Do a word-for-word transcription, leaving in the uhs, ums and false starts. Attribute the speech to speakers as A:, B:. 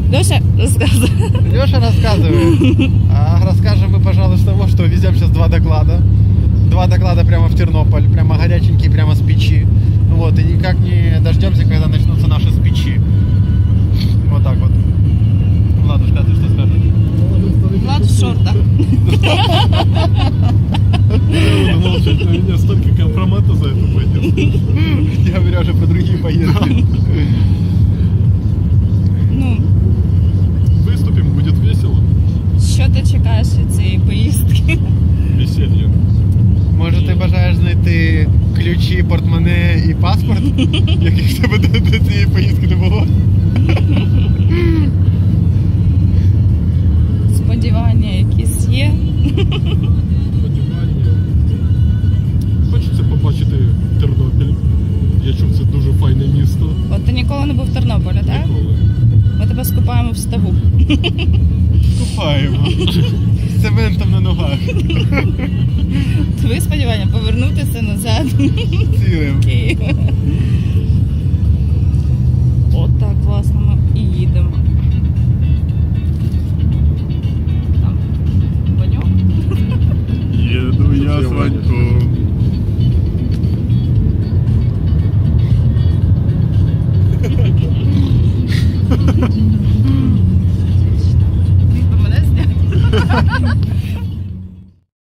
A: Леша, рассказывай.
B: Леша рассказывает. А расскажем мы, пожалуй, с того, что везем сейчас два доклада. Два доклада прямо в Тернополь, прямо горяченькие, прямо с печи. Вот, и никак не дождемся, когда начнутся наши с печи. Вот так вот. Владушка, а ты что скажешь?
A: Влад в шортах.
C: Молчать, на меня столько компромата за это пойдет.
B: Я говорю уже про другие поездки.
A: Ну,
C: Выступим, будет весело.
A: що ти чекаєш від цієї поїздки?
C: Веселье.
B: Може ти бажаєш знайти ключі, портмоне і паспорт, яких в тебе до, до цієї поїздки не було?
A: Сподівання якісь є.
C: Сподівання. Хочеться побачити Тернопіль. Я чув, це дуже файне місто.
A: От ти ніколи не був в Тернополі, так?
C: Ніколи.
A: Ми тебе скупаємо в ставу.
B: Купаємо. З цементом на ногах.
A: Твої сподівання повернутися назад
B: Цілим.
A: в Київ. От так класно ми і їдемо. Там Ваньок.
C: Еду я с Ваньком.
A: Міг би мене зняти.